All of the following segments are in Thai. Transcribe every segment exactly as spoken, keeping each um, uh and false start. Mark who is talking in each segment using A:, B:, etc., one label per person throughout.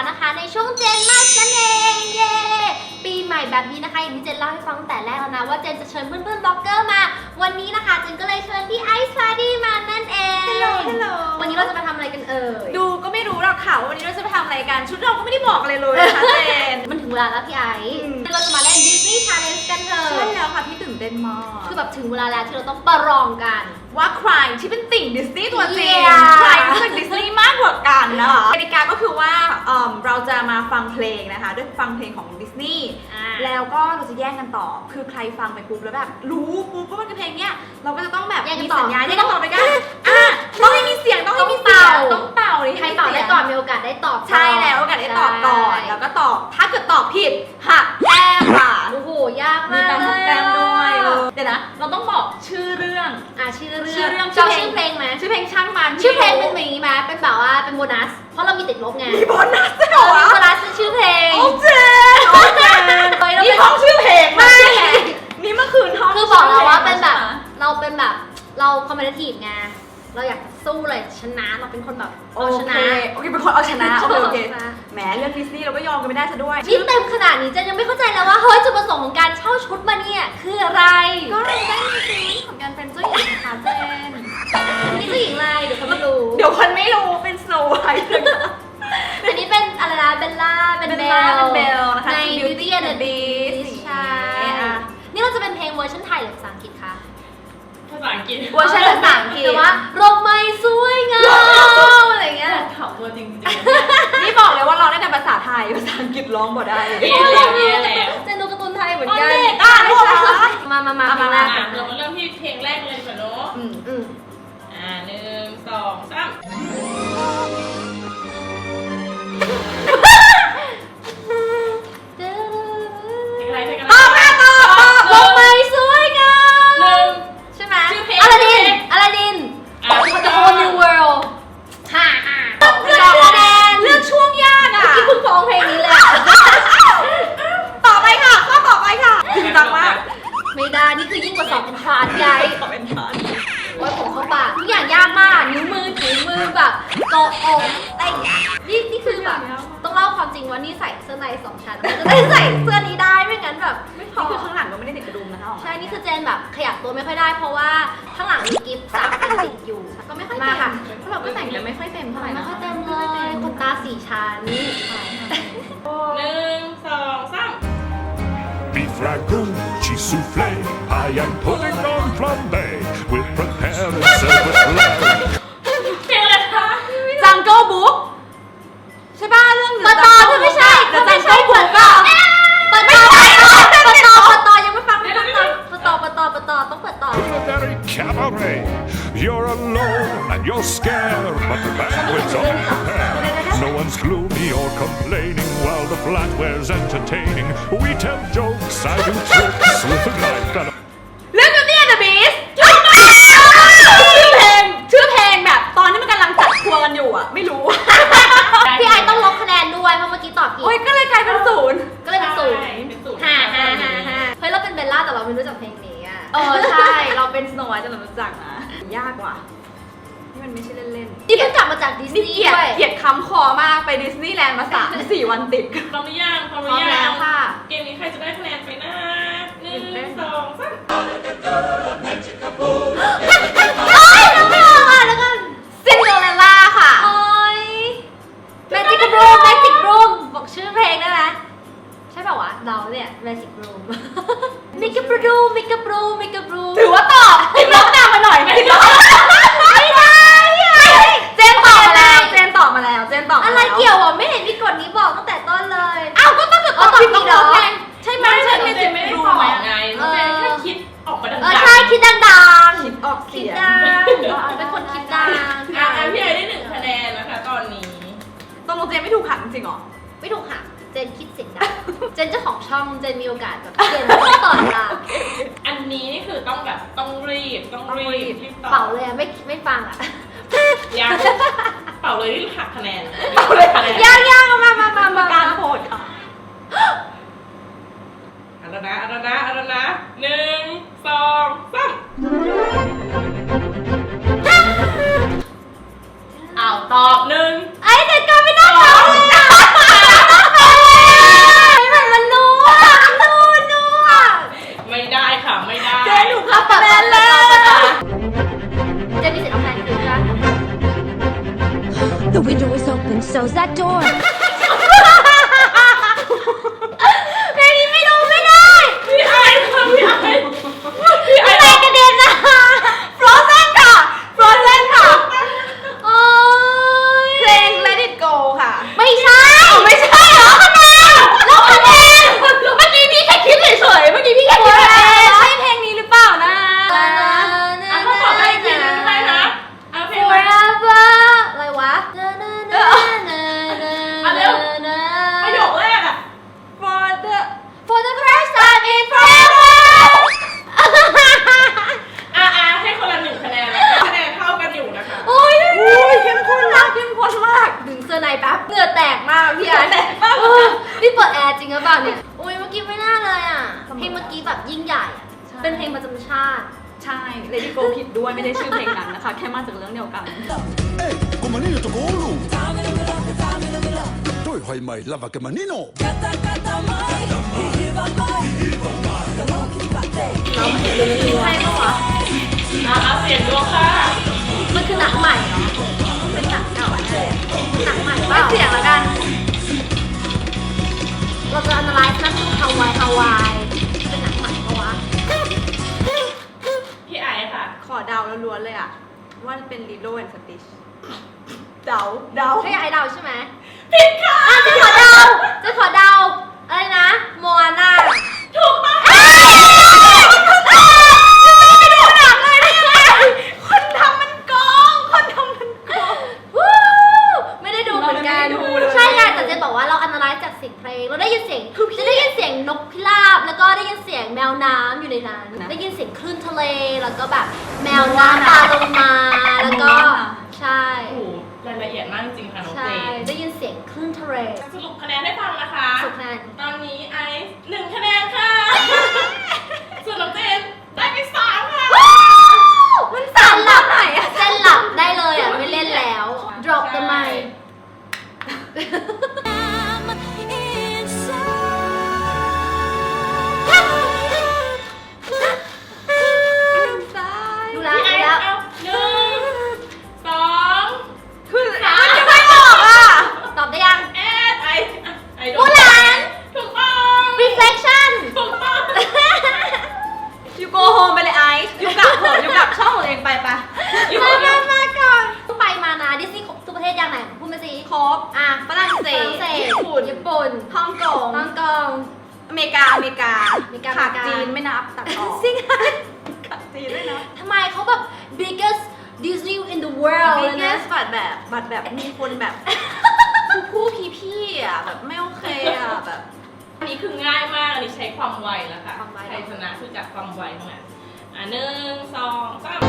A: แล้วนะคะในช่วงเจนมาสนั่นเองเย้ปีใหม่แบบนี้นะคะอย่างที่เจนเล่าให้ฟังแต่แรกแล้วนะว่าเจนจะเชิญเพื่อนๆบล็อกเกอร์มาวันนี้นะคะเจนก็เลยเชิญพี่ไอซ์ฟาดี้มานั่นเองฮัลโหลฮัลโหลวันนี้เราจะมาทำอะไรกันเอ่ย
B: ดูก็ไม่รู้หรอกค่ะว่าวันนี้เราจะไปทำอะไรกันชุดเราก็ไม่ได้บอกอะไรเลยนะคะเจน
A: มันถึงเวลาแล้วพี่ไอซ์เราจะมาเล่น Disney Challenge กันเถอะ
B: ใช่แล้วค่ะพี่ตื่นเต้นมาก
A: คือแบบถึงเวลาแล้วที่เราต้องประลองกัน
B: ว่าใครที่เป็นติ่งดิสนีย์ตัวจริงใครรู้สึกดิสนีย์มากกว่ากันนะคะกติกาก็คือว่าเราจะมาฟังเพลงนะคะด้วยฟังเพลงของดิสนีย์แล้วก็เราจะแย่งกันตอบคือใครฟังไปปุ๊บแล้วแบบรู้ปุ๊บว่ามันคือเพลงเนี้ยเราก็จะต้องแบบมีสัญญาณที่ต้องตอบไปกันอ่ะต้องให้มีเสียงต้องให้มีเสียงต้องเป่า
A: ใครตอบได้ก่อนมีโอกาสได้ตอบ
B: ใช่แล้วโอกาสได้ตอบก่อนแล้วก็ตอบถ้าเกิดตอบผิดหักแต้มค่ะ
A: โอ้โหยากมาก
B: มีการหักแต้มด้วยเดี๋ยวนะเราต้องบอกชื่อเรื่อง
A: อ่ะชื่อเรื่อง
B: ชื่อเรื่อง
A: ชื่อเพลงไหม
B: ชื่อเพลงช่างมัน
A: ชื่อเพลงเป็นแบบนี้ไหมเป็นแบบว่าเป็นโบนัสเพราะเรามีติดลบไง
B: มีโบนัสเหรอ
A: มีโบนัสชื่อเพลง
B: โอ้เจนโอ้เจนนี่ห้องชื่อเพลงไม่นี่เมื่อคืนห้อง
A: คือบอกเราว่าเป็นแบบเราเป็นแบบเราคอมเมดี้ไงเราอยากสู้เลยชนะเราเป็นคนแบบเอาชนะ
B: โอเคเป็นคนเอาชนะโอเคโอเคแหมเรื่องดิสนีย์เราก็ยอมกันไม่ได้ซะด้วย
A: นี่เต็มขนาดนี้เจนยังไม่เข้าใจแล้วว่าเฮ้ยจุดประสงค์ของการเช่าชุดมาเนี่ยคืออะไร
B: ก็เราได้ในซีรีส์ของการเป็นเจ้าหญิงนะคะเจน
A: นี่เจ้าหญิงอะไรเดี๋ยวเขาไม่รู้
B: เดี๋ยวคนไม่รู้เป็นสโนว์ไวท์
A: อันนี้เป็นอะไรนะเบลล่าเป็นเบล
B: เป็นเบลนะคะ
A: ใน
B: Beauty and the Beast
A: ใช่นี่เราจะเป็นเพลงเวอร์ชันไทยหรือภาษาอังกฤษคะ
C: ภาษาอังกฤษ
B: เวอร์ชันภาษาอังกฤษ
A: แต่ว่าลมไม่สวยงามอะไรเงี้ย
C: ถามตัวจริง
B: ๆนี่บอกเลยว่าเราได้แต่ภาษาไทยภาษาอังกฤษร้องบ่ได้
C: เรียนแล้วเรียนแล้ว
A: เจนดูการ์ตูนไทยเหมือนกัน
B: อ่ะ
A: มามามา
C: มาเรามาเริ่มที่เพลงแรกเลยดีกว่าเนาะ
A: อืมอืม
C: อ่าหนึ่งสองสามอะไรเพลงอะไร
B: ต่อมาต่อ
A: ลมไม่สวยงาม
C: หนึ่ง
A: ใช่ไหมอลาดินอลาดิน The Whole New World ฮ่าฮ่า
B: เลือกคะแนนเลือกช่วงยากอ่ะ
A: ที่เพิ่งฟ้องเพลงนี้เลย
B: ต่อไปค่ะข้อต่อไปค่ะจริงจังมาก
A: ไม่ได้นี่คือยิ่งกว่าสอบเป็นทรานใหญ่
B: สอบเป็นทราน
A: ว่าผมเข้าปากทุกอย่างยากมากนิ้วมือถุงมือแบบโกะอกอะไรนี่นี่คือแบบต้องเล่าความจริงว่านี่ใส่เสื้อในสองชั้นมันจะได้ใส่เสื้อนี้ได้ไม่งั้นแบบไม่พอ
B: คือข้างหลังก็ไม่ได้ติดกระดุมนะคะ
A: ใช่นี่คือเจนแบบขยับตัวไม่ค่อยได้เพราะว่าข้างหลังมีกิฟต์สามอันติดอยู่
B: ก็ไม่ค่อยเต็มค่ะเพราะเราก็แต่งกันไม่ค่อยเต็มเท่าไหร่
A: ไม่ค่อยเต็มเลยขนตาสี่ชั้น
C: หนึ่งสองสาม
D: Beef ragout, cheese soufflé, I am putting on flambe. We'll prepare a silver flag.
C: เพลงอะไรคะ
B: Jungle Book ใช่ป่ะเรื่อง
A: ปะตอที่ไม่ใช่
B: แต่ Jungle Book อ่ะ
A: ปะตอปะตอปะตอปะตอยังไม่ฟังไม่ฟังปะตอปะตอปะตอต้องเปิดต่อ
D: Culinary cabaret. You're alone and you're scared, but the banquet's all prepared. No one's gloomy or complaining while the flatware's entertaining. We tell jokes, I do tricks with a knife and a
B: เรื่อง Beauty and the Beast ชื่อเพลงชื่อเพลงแบบตอนที่มันกำลังจัดครัวกันอยู่อ่ะไม่รู้
A: พี่ไอต้องลบคะแนนด้วยเพราะเมื่อกี้ตอบผิด
B: โอ้ยก็เลยกลายเป็นศูนย์
A: ก็เลยเป็นศูนย์
C: ฮ่า
A: ฮ่าฮ่าฮ่าเฮ้ยเราเป็นเบลล่าแต่เราไม่รู้จักเพลงนี้อ่ะ
B: เออใช่เราเป็นสโนว์ไวท์แต่เรารู้จักนะยากกว่านี่มันไม่ใช่เล่น
A: ๆนี่เพิ่งกลับมาจากดิสนีย์ด้วย
B: เกลียดคำคอมากไปดิสนีย์แลนด์มาสามสี่วันติด
C: พร้อมหรือยังพร้อมหรือยังเกมนี้ใครจะได้คะแนนไปนะหนึ่งสองสาม
A: โอ๊ยน้องไม่ออกอ่ะแล้วกัน
B: ซินโดเรลล่าค่ะ
A: โอ๊ยแมจิกรูมแมจิกรูมบอกชื่อเพลงได้ไหมใช่ป่าววะเราเนี่ยแมจิกรูมมิกาบรูมมิกาบรูมมิกาบรูม
B: ถือว่าตอบติดลบตามมาหน่อยไม่ได้
A: ไม่ได้
B: เจนตอบมาแล้วเจนตอบมาแล้วเจนตอบ
A: อะไรเกี่ยวอ่ะไม่เห็นมีกฎนี้บอกตั้งแต่ต้นเลย
B: อ้าวก็ต้องเกิดตอบผิดต้องลบไง
C: ใช่ไหมใช่ไม่เจนไม่ได้ตอบไงเจนแค่คิดออกมาดังๆ
A: เออใช่คิดดังๆ
B: คิดออกเสียง
A: เป็นคนคิดดัง
C: อ่ะพี่ไอได้หนึ่งคะแนนนะคะตอนนี้
B: ต้องลงเจนไม่ถูกหักจริงหรอ
A: ไม่ถูกหักเจนคิดเสียงดังเจนเจ้าของช่องเจนมีโอกาสแบบเจนไม่ต่อเวลา
C: อันนี้นี่คือต้องแบบต้องรีบต้องรีบ
A: เป่าเลยไม่ไม่ฟังอ่ะ
C: ยังเป่าเลยที่หักคะแนน
B: เป่าเลย
A: ยังยังมามามามา
B: การโพดค่ะ
C: อันนั้นนะอันนั้นนะอันนั้นนะหนึ่งสองสามอ้าวตอบหนึ่ง
A: ไอ้เด็กก็ไม่ต้องตอบเลยอ่ะ
E: The door is open, so's that door.
A: เพลงนี้ไม่รู้ไม่ได้
C: พี่ไอค่ะพี่ไอพี่ไอ
A: อะไรกระเด็นนะ
B: Frozen ค่ะ Frozen ค่ะ
A: โอ้ย
B: เพลง Let It Go ค่ะ
A: ไม่ใช่ไม่ใช่เหรอคะแนนแล้วคะแนนเมื่อกี้พี่แค่คิดเฉยๆเมื่อกี้พี่แค่คิดเฉยๆ
B: ใช่เพลงนี้หรือเปล่านะ
C: อ่ะถ้าตอบได้อีกทีนึงให้นะอ่ะเพลงอะไร
A: Forever อะไรวะ
C: อ่ะเร็ว ประโยคแรกอ่ะ
B: For the
A: For the first time in forever
C: อ่ะอ่ะให้คนละหนึ่งคะแนนแล้วคะแนนเท่ากันอยู่นะคะ
A: โอ้ย
B: อุ้ยเข้มข้นมากเข้มข้นมาก
A: ดึงเสื้อในแป๊บเหงื่อแตกมากพี่ไอ้
B: เหงื่อแตกมาก
A: เออพี่เปิดแอร์จริงหรือเปล่าเนี่ยโอ้ยเมื่อกี้ไม่น่าเลยอ่ะเพลงเมื่อกี้แบบยิ่งใหญ่อะ
B: ใช่
A: เป็นเพลงประจำชาติ
B: ใช่ Let It Go ผิดด้วยไม่ได้ชื่อเพลงนั้นนะคะ แค่มาจากเรื่องเดียวกัน
F: Hey, con Manino tocó oro. Tôi hoài mày là và cái Manino.
A: ใช่ปะวะ
C: อ่ะเอาเสียงดวงค่ะ
A: มันคือหนังใหม่เหรอเป็นหนังเก่าอะหนังใหม่เป
B: ไม่
A: ล่า
B: เสียงละกัน
A: เราจะ analyze นะคือฮาวายฮาวายเป็นหนังใหม่ปะวะ
C: พี่ไอค่ะ
B: ขอเดาล้วนๆเลยอะว่าเป็น Lilo and Stitch เดาเดา
A: ให้ไอเดาใช่ไหม
C: ผิดค่ะ
A: อ่ะจะขอเดาจะขอเดาอะไรนะโมอาน่า
C: ถูกต้อง
B: คนทำมันโกงคนทำมันโกง
A: วู้ไม่ได้ดูเหมือนกัน
B: เราไม่ได้ดูเลย
A: ใช่ไงแต่เจะบอกว่าเรา analyze จากเสียงเพลงเราได้ยินเสียงจะได้ยินเสียงนกพิราบแล้วก็ได้ยินเสียงแมวน้ำอยู่ในนั้นได้ยินเสียงคลื่นทะเลแล้วก็แบบแมวน้ำปลาลงมาแล้วก็ใช่
C: โอ้โหรายละเอียดมากจริงๆค่ะน้อง
A: ใช่
C: เจ
A: ได้ยินเสียงคลื่นทะเล
C: สรุปคะแนนให้ฟังนะคะ
A: สุดคะแนน
C: ตอนนี้ไอซ์หนึ่งคะแนนค่ะ ส่วนน้องเจนได้ไปสามค่ะ
A: มันสั่นหลับไหนอะเส้นหลับได้เลยอ่ะไม่เล่นแล้ว drop the mic ดูแล
C: พี่ไอ
A: ดู
C: ซ์
A: แล้ว
C: เอาหนึ่งสอง
B: คือมันจะไม่ออกอ่ะ
A: ตอบได้ยัง
C: แอดไอซ์อ่ะไอซ์โด
A: มูหลาน
C: ถูกต้อง
A: reflection
C: ถูกต้อง
B: ยูโกโฮมไปเลยไอซ์ยูกลับเถอะยูกลับช่องของตัวเองไปปะ
C: อยู่
A: มา
C: อยู่
A: มามาก่อนไปมานะดิสนีย์ทุกประเทศยังไหนพูดมาสิ
B: ครบ
A: อ่ะ
B: ฝรั่งเศส
A: ฝรั่งเศส
B: ญี่ปุ่น
A: ญี่ปุ่น
B: ฮ่องกง
A: ฮ่องกง
B: อเมริกา อเมริกา
A: อเมริกา
B: ขาด
A: อเมริกา
B: จีนไม่นับตัดออก
A: จริง
B: ขาดจีนด้วยนะ
A: ทำไมเขาแบบ biggest Disney in the world
B: บิ๊
A: เลย
B: กเน
A: นะ
B: สบัตรแบบบัตรแบบมีคนแบบผู้พี่พี่ๆอ่ะแบบไม่โอเคอ่ะแบบ
C: อันนี้คือง่ายมาก อันนี้ใช้ความไวแล้วค่ะ
A: ความไว
C: ใครชนะคือจากความไวเท่านั้นอ่ะหนึ่งสองสาม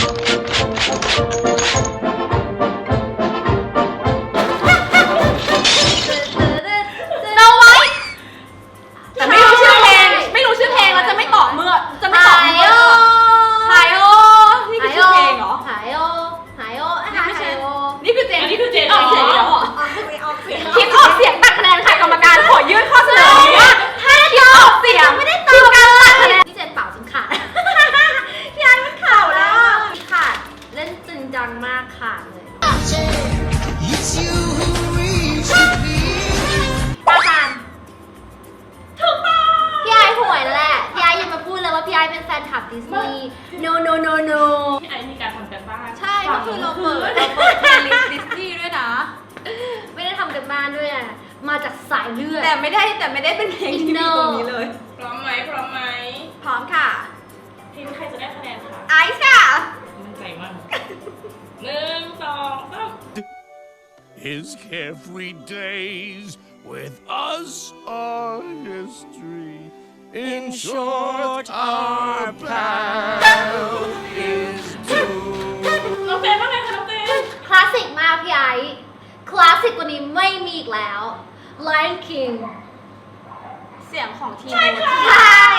A: โนไว้
B: แต่ไม่รู้ชื่อเพลงไม่รู้ชื่อเพลงแล้วจะไม่ตอบเมื่อจะไม่ตอบเมื่อไฮโอนี่คือชื่อเพลงเหรอ
A: หายโอหายโอหาย
B: ไม่ใช่
A: โอ
B: นี่คือเจน
C: อันนี้คือเจน
B: ออกเสียงแล้วเหรอ
A: ออกเสียงออกเสียง
B: คิดออกเสียงตัดคะแนนค่ะกรรมการขอยื่นข้อเสนอนี้ว่าถ้าคิดออกเสียงไม่ได้คือการตัดคะแนน
A: พี่เจนเป่าจนขาดพี่ไอ้มันขาดแล้วอะขาดเล่นจริงจังมากขาดเลย
F: It's you who reached me.
A: ตาตามถูกต้องพี่ไอ้ห่วยแล้วแหละพี่ไอ้ยังมาพูดเลยว่าพี่ไอ้เป็นแฟนคลับดิสนีย์ no no no no
C: พี่ไอซ์มีการทำกันบ้าน
B: ใช่ก็คือเราเปิดเราเปิดเพลย์ลิสต์ดิสนีย์ด้วยนะ
A: ไม่ได้ทำกันบ้านด้วยอะมาจากสายเลือด
B: แต่ไม่ได้แต่ไม่ได้เป็นเพลงที่มีตรงนี้เลย
C: พร้อมไหมพร้อมไหม
B: พร้อมค่ะ
C: ทีมใครจะได้คะแนนคะ
B: ไอซ์ค่ะ
C: มั่นใจมากหนึ่งสองสาม
D: His carefree days with us are history. In short, our path is doomed.
C: น้องเจนว่าไงคะน้องเจน
A: คลาสสิกมากพี่ไอ้คลาสสิกกว่านี้ไม่มีอีกแล้ว Lion King
B: เสียงของทีม
C: ใช่ค่ะ
A: ใช่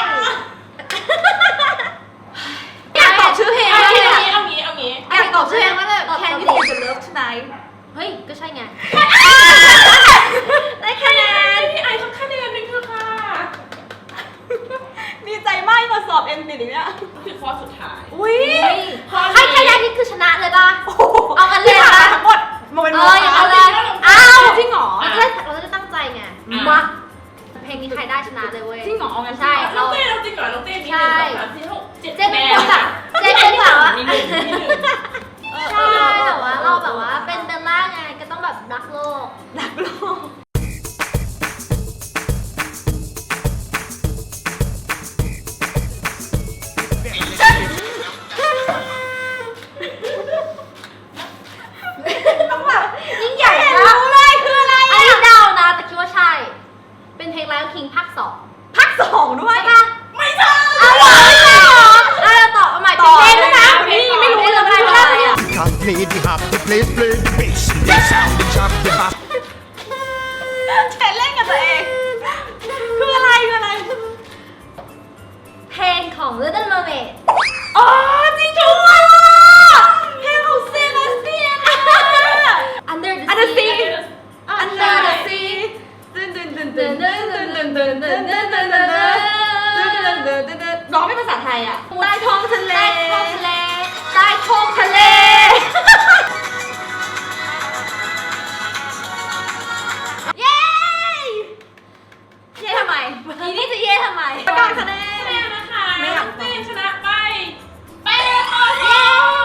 B: อยากตอบชื่อเพลง
C: เอา
B: มากเล
C: งี้
B: ย
C: เอา
B: อะ
C: งี้เอางี้
B: อยากตอบชื่อเพลงมากเลย
A: ตอบ
B: Can
A: ตอบ
B: you
A: ดิ
B: feel the love tonight
A: เฮ้ย ก็ใช่ไง
C: ได้คะแนนพี่ไอซ์สักคะแนนหนึ่งเถอะค่ะ
B: ดีใจมากมาสอบเอ็นปิดอย่างเงี้ย
C: คือข้อสุดท้าย
B: อุ้ย
C: ข้อ
A: ใคร
C: นี้
A: ใครได้นี่คือชนะเลยป่ะ เอากันเลย
B: ที่
A: เหรอ
B: ผ่านมาทั้งหมดมันเป็น
A: เอ
B: โม
A: ออย่างนั้นเล
B: sea under the sea ตึนตึนตึนตึนตึนตึนตึนตึนตึนตึนตึนตึนตึนตึนตึนตึนร้องเป็นภาษาไทยอ่ะใต้ท้องทะเล
A: ใต้ท้องทะเลใต้ท้องทะเล
B: เย้เย้ทำไม
A: อีนี่จะเย่ทำไม
B: ประกาศคะแน
C: คะแน
B: น
C: นนะคะ
B: ไม่อยาก
C: เจนชนะไปแปดต่อสอง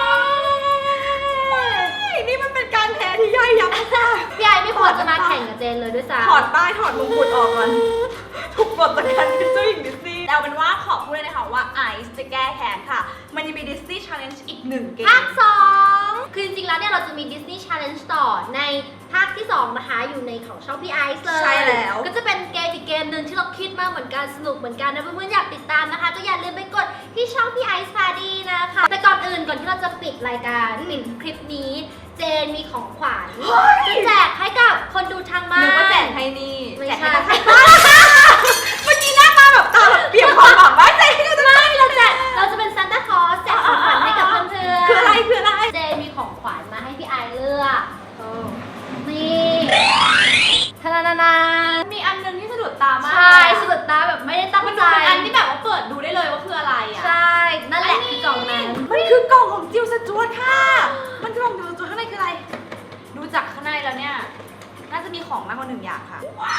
B: นี่มันเป็นการแพ้ที่ย่อยยับมาก
A: พี่ไอไม่ควรจะมาแข่งกับเจนเลยด้วยซ้ำ
B: ถอดป้ายถอดมงกุฎออกก่อนถูกปลดจากการเป็นเจ้าหญิงดิสนีย์แต่เอาเป็นว่าขอพูดเลยนะคะว่าไอซ์จะแก้แค้นค่ะ มันยังมีดิสนีย์ Challenge อีกหนึ่งเกม
A: ภาคสองคือจริงๆแล้วเนี่ยเราจะมี Disney Challenge ต่อในภาคที่สองนะคะอยู่ในของช่องพี่ไอซ์เลย
B: ใช่แล้ว
A: ก็จะเป็นเกมอีกเกมหนึ่งที่เราคิดมาเหมือนกันสนุกเหมือนกันนะเพื่อนๆอยากติดตามนะคะ ก็อย่าลืมไปกดที่ช่องพี่ไอซ์พาดีนะคะ แต่ก่อนอื่นก่อนที่เราจะปิดรายการปิดคลิปนี้ เจนมีของขวัญจะแจกให้กับคนดูทางบ้าน
B: นึกว่าแจกให้นี่
A: ไม่
B: แจก
A: ใช่
B: ให้ใครเมื่อกี้หน้าตาแบบตาแบบเปี่ยมความหวังว่าแจกให้เราจะ
A: ไม่เราแจกเราจะเป็นซานต้าคลอสแจกของขวัญให้กับเพื่อนๆ
B: คืออะไรคืออะไร
A: เจนมีของขวัญมาให้พี่ไอซ์เลือกนี่ทานานานา
B: มีอันนึงที่สะดุดตามาก
A: ใช่สุดตาแบบไม่ได้ตั้ง
B: มัน
A: ใจ
B: ดูเป็นอันที่แบบว่าเปิดดูได้เลยว่าคืออะไรอ่ะ
A: ใช่ นั่นแหละคือกล่องนั้น
B: มันคือกล่องของจิวสจวตค่ะ มันคือกล่องจิวสจวตข้างในคืออะไร ดูจากข้างในแล้วเนี่ย น่าจะมีของมากกว่าหนึ่งอย่างค่ะ ว้าว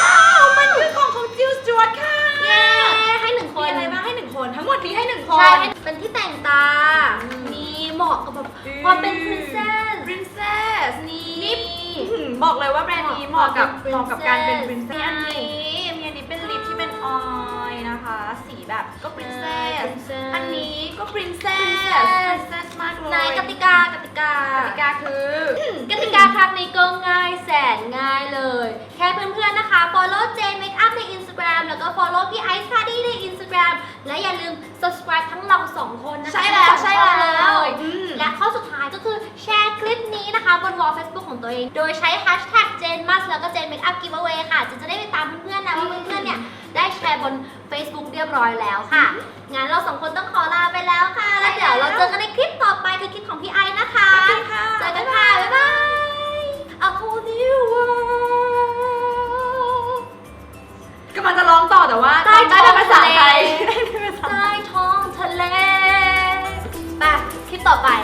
B: มันคือกล่องของจิวสจวตค่ะ
A: เย้ให้หนึ่งค
B: มี
A: น
B: อะไรบ้างให้หนึ่งคน ทั้งหมดนี้ให้หนึ่งคน
A: ใช่เป็นที่แต่งตา นี่เหมาะกับแบบความเป็น princess
B: princess นี่
A: นี่
B: อื้อหือบอกเลยว่าแบรนด์นี้เหมาะกับ
A: เห
B: เห
A: มาะ
B: มาะ
A: กั
B: กั
A: บบ เป็
B: การ
A: น
B: เป็น
A: princess
B: princess อันนี้มีอันนี้เป็นลิปที่เป็นออยล์นะคะ สีแบบก็ princess
A: princess
B: อันนี้ก็ princess
A: princess
B: princess มากเลย
A: ในกติกากติกาก
B: ติกาคือ
A: กติกาครั้งนี้ก็ง่ายแสนง่ายเลย แค่เพื่อนๆนะคะ follow Jane Makeup ใน Instagram แล้วก็ follow พี่ Ice Party ใน Instagram และอย่าลืม subscribe ทั้งเราสองคนนะคะ
B: ใช่แล้ว
A: ทั้งสอง
B: ใช่แล้ว
A: คน
B: อืม
A: และข้อสุดท้ายก็คือแชร์คลิปนี้นะคะบน wall Facebook ของตัวเอง โดยใช้ hashtag Jane Mas แล้วก็ Jane Makeup Giveaway ค่ะจะจะได้ไปตามเพื่อนๆนะว่าเพื่อนๆเนี่ยได้แชร์บน Facebook เรียบร้อยแล้วค่ะ งั้นเราสองคนต้องขอลาไปแล้วค่ะ แล้วเดี๋ยวเราเจอกันในคลิปต่อไปคือคลิปของพี่ไอซ์นะคะ
B: ขอบคุณค่ะ
A: เจอกันค่ะ บ๊ายบาย A whole new world
B: กำลังจะร้องต่อแต่ว่า
A: ใต้
B: ได้เป็นภาษาไทย
A: ท้องทะเล ใต้ท้องทะเลไปคลิปต่อไป